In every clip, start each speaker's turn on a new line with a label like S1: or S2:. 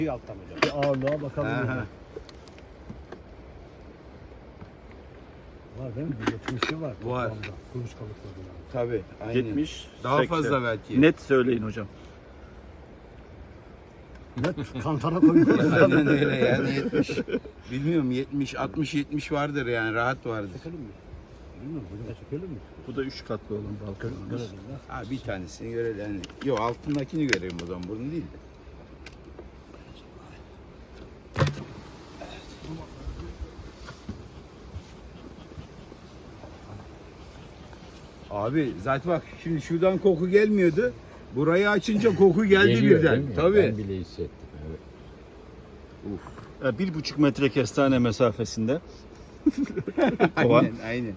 S1: Alttan hocam. Bir ağırlığa bakalım. Var değil mi? 70'i var.
S2: Var.
S1: Toplamda. Kuluçkalıkları yani.
S2: Tabii. Aynen.
S3: 70,
S2: Daha
S3: 80.
S2: fazla belki.
S3: Net söyleyin hocam.
S1: Net kantara koyuyoruz.
S2: Aynen öyle yani 70. Bilmiyorum 70, 60, 70 vardır yani rahat vardır.
S1: Çekelim mi? Bilmiyorum hocam çekelim mi?
S3: Bu da 3 katlı olan balkonumuz.
S1: Görelim ya.
S2: Ha bir tanesini görelim yani. Yok altındakini göreyim o zaman bunu değil de. Abi zaten bak şimdi şuradan koku gelmiyordu. Burayı açınca koku geldi
S4: Geliyor,
S2: birden.
S4: değil mi?
S2: Tabii.
S4: Ben bile hissettim. Evet.
S3: 1,5 metre kestane mesafesinde. Kovan.
S2: Aynen.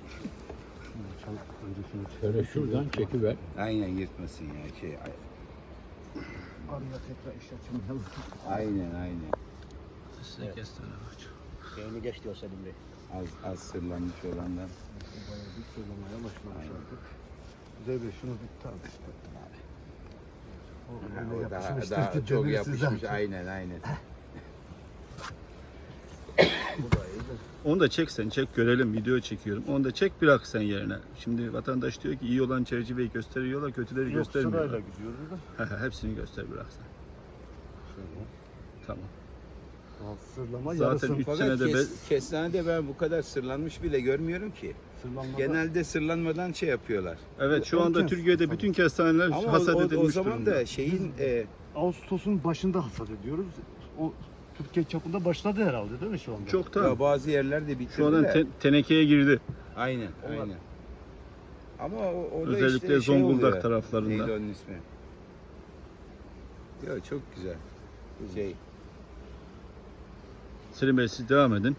S4: Şöyle şuradan çekiver.
S2: Aynen yırtmasın ya şey.
S1: Araya tekrar iş açmayalım.
S2: Aynen.
S3: Size kestane ağacı.
S1: Yeni geç diyor Selim Bey.
S2: Az sırlanmış olanlar.
S1: Bayağı bir söylemeye başlamış artık. Güzel bir şunu bir tartıştı abi.
S2: O daha çok yapışmış. Aynen.
S1: Bu da iyi de.
S3: Onu da çek sen, çek görelim, video çekiyorum. Onu da çek bırak sen yerine. Şimdi vatandaş diyor ki iyi olan çerçeveyi gösteriyorlar, kötüleri
S1: Yok sırayla
S3: göstermiyorlar.
S1: gidiyoruz da.
S3: Hepsini göster bırak sen.
S1: Şöyle.
S3: Tamam.
S1: Sırlama
S3: Zaten
S1: yarısı.
S3: üç
S2: Fakat
S3: senede
S2: kestanede ben bu kadar sırlanmış bile görmüyorum ki.
S1: Sırlanmada.
S2: Genelde sırlanmadan şey yapıyorlar.
S3: Evet şu anda
S1: Erken
S3: Türkiye'de bütün kestaneler
S2: Ama
S3: hasat
S2: o
S3: edilmiş
S2: zaman
S3: durumda.
S2: da şeyin
S1: Ağustos'un başında hasat ediyoruz. O Türkiye çapında başladı herhalde değil mi şu anda?
S3: Çoktan.
S2: ya bazı yerlerde bitirdiler.
S3: Şu anda tenekeye girdi.
S2: Aynen. Ama orada
S3: Özellikle
S2: işte şey
S3: Zonguldak
S2: oluyor.
S3: taraflarında.
S2: Neydi onun ismi? Ya çok güzel. Şey.
S3: Selim Bey siz devam edin.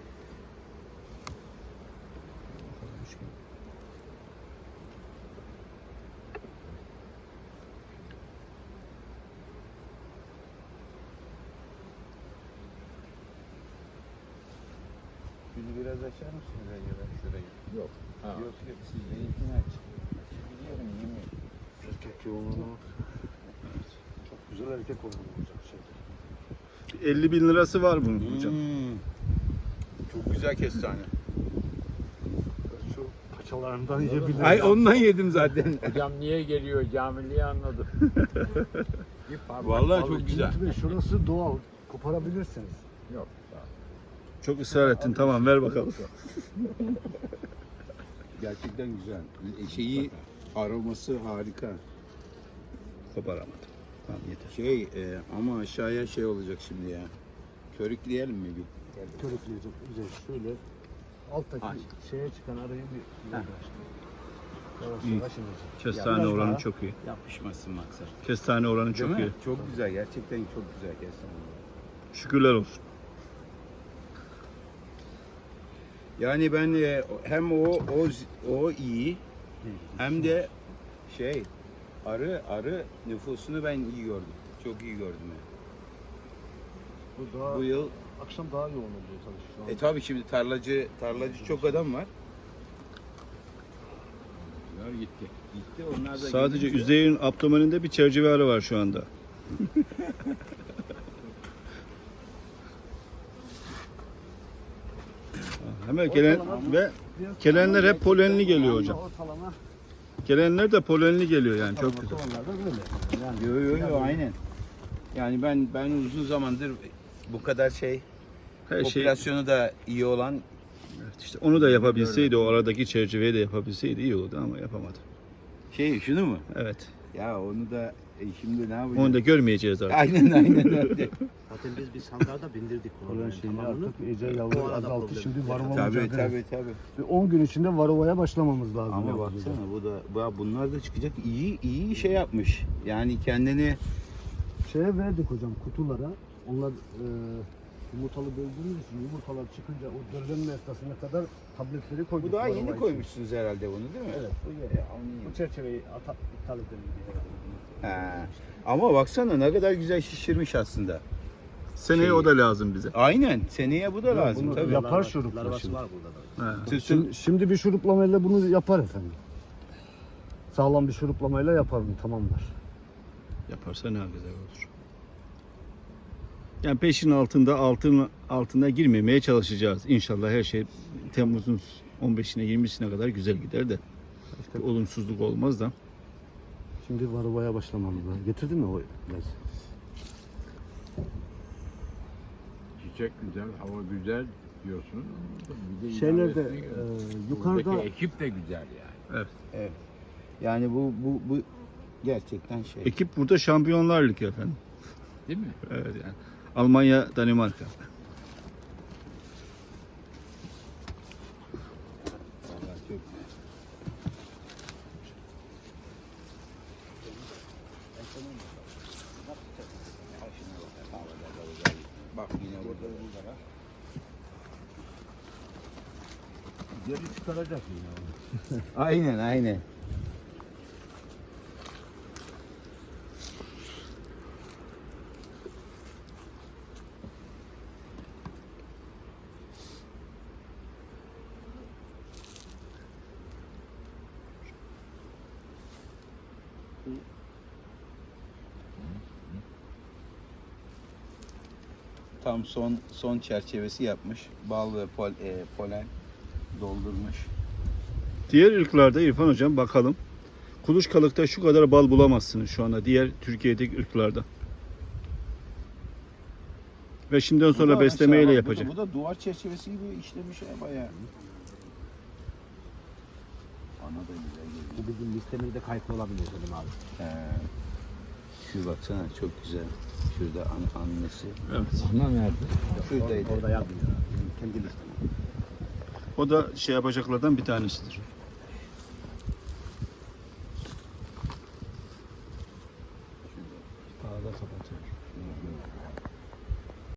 S2: Şunu biraz açar mısınız acaba şurayı?
S4: Yok. Ha.
S2: Yok siz benimkini aç. Biliyorum yemin.
S1: Erkek yoğunluğuna bak. Çok güzel erkek yoğunluğu olacak şey.
S3: 50 bin lirası var bunun hocam.
S2: Çok güzel kestane.
S1: Şu paçalarından yiyebiliriz.
S2: Ay ondan yedim zaten.
S4: Hocam niye geliyor camiliği anladım.
S2: Vallahi çok güzel.
S1: Cüneyt Bey, şurası doğal. Koparabilirsiniz.
S4: Yok. Sağ ol.
S3: Çok ısrar ettin tamam ver bakalım.
S2: Gerçekten güzel. Şeyi aroması harika.
S3: Koparamadım. Tamam yeter.
S2: Ama aşağıya şey olacak şimdi ya. Körükleyelim mi bir?
S1: Körükleyecek. Güzel. Şöyle alttaki
S2: Aç.
S1: şeye çıkan arayı bir yavaş
S3: İyi.
S1: yavaş inecek.
S3: Kestane
S1: Biraz
S3: oranı
S1: daha.
S3: çok iyi.
S2: Yapışmasın maksat.
S3: Kestane oranı
S2: Değil
S3: çok
S2: mi?
S3: iyi.
S2: Çok güzel. Gerçekten çok güzel kestane.
S3: Şükürler olsun.
S2: Yani ben hem o iyi hem de arı nüfusunu ben iyi gördüm. Çok iyi gördüm yani.
S1: Bu daha
S2: Bu yıl
S1: akşam daha yoğun oluyor tabii şu an.
S2: tabii şimdi tarlacı çok adam var. Gitti. Onlar da
S3: Sadece
S2: gidince-
S3: Üzeyir'in abdomeninde bir çerçeve arı var şu anda. Hemen gelen ve gelenler hep polenli geliyor hocam.
S1: Ortalama
S3: Gelenler de polenli geliyor yani çok güzel.
S1: olanlar da böyle. Yani
S2: Yo aynen. Yani ben uzun zamandır bu kadar
S3: Her şey
S2: popülasyonu da iyi olan
S3: evet, işte onu da yapabilseydi, o aradaki çerçeveyi de yapabilseydi iyi olurdu ama yapamadı.
S2: şunu mu?
S3: Evet.
S2: Ya onu da şimdi ne yapacağız?
S3: Onu da görmeyeceğiz artık.
S2: Aynen öyle.
S5: Zaten biz bir sandığa da bindirdik
S1: Olan
S5: onu.
S1: şeyini
S5: Tamamını.
S1: artık iyice
S5: O
S1: yavru
S5: arada
S1: azalttı.
S5: problem.
S1: Şimdi varova
S2: Tabii
S1: mücadelesi.
S2: tabii.
S1: Bir 10 gün içinde varovaya başlamamız lazım.
S2: Ama
S1: ya.
S2: baksana bunlar da çıkacak iyi şey yapmış. Yani kendini
S1: Şeye verdik hocam kutulara. Onlar yumurtalı böldüğümüz için yumurtalar çıkınca o döllenme esnasına kadar tabletleri koyduk.
S2: bu daha
S1: varova
S2: yeni
S1: için.
S2: koymuşsunuz herhalde bunu değil mi?
S1: Evet. Bu yeni.
S2: Anlıyorum.
S1: Bu çerçeveyi iptal edelim diye.
S2: Ha. Ama baksana ne kadar güzel şişirmiş aslında.
S3: Seneye o da lazım bize.
S2: Aynen. Seneye bu da lazım
S1: bunu
S2: tabii.
S1: yapar şurupla
S5: Larvası
S1: şimdi.
S5: var burada da.
S3: He.
S1: Şimdi bir şuruplamayla bunu yapar efendim. Sağlam bir şuruplamayla yapar bunu tamamlar.
S3: Yaparsa ne güzel olur. Yani 5'in altına girmemeye çalışacağız. İnşallah her şey Temmuz'un 15'ine 20'sine kadar güzel gider de.
S1: İşte
S3: Bir olumsuzluk olmaz da.
S1: şimdi varovaya başlamamız lazım. Getirdin mi o ilaç?
S4: Çiçek güzel, hava güzel diyorsun. Bir de
S1: Şeylerde,
S4: idaresine göre.
S1: yukarıda-
S4: Buradaki ekip de güzel yani.
S2: Evet. Yani bu gerçekten şey.
S3: Ekip burada Şampiyonlar Ligi efendim.
S4: Değil mi?
S3: Evet yani. Almanya, Danimarka.
S2: Vallahi çok. Bak yine burada.
S1: Geri çıkaracak yine.
S2: Aynen. Tam son çerçevesi yapmış. Bal ve polen doldurmuş.
S3: Diğer ırklarda İrfan Hocam bakalım. Kuluçkalıkta şu kadar bal bulamazsınız şu anda diğer Türkiye'deki ırklarda. Ve şimdiden sonra
S2: Bu da
S3: beslemeyle
S2: aşağı bak,
S3: yapacak.
S2: Bu da duvar çerçevesi gibi işlemiş ya bayağı. Ana da güzel geliyor.
S5: Bu bizim listemizde kayıtlı olabilir dedim abi.
S2: Şu baksana çok güzel. Şurada annesi.
S3: Evet.
S4: Ana nerede?
S2: Şuradaydı.
S5: Orada yazmıyor. Kendi listem.
S3: O da şey yapacaklardan bir tanesidir.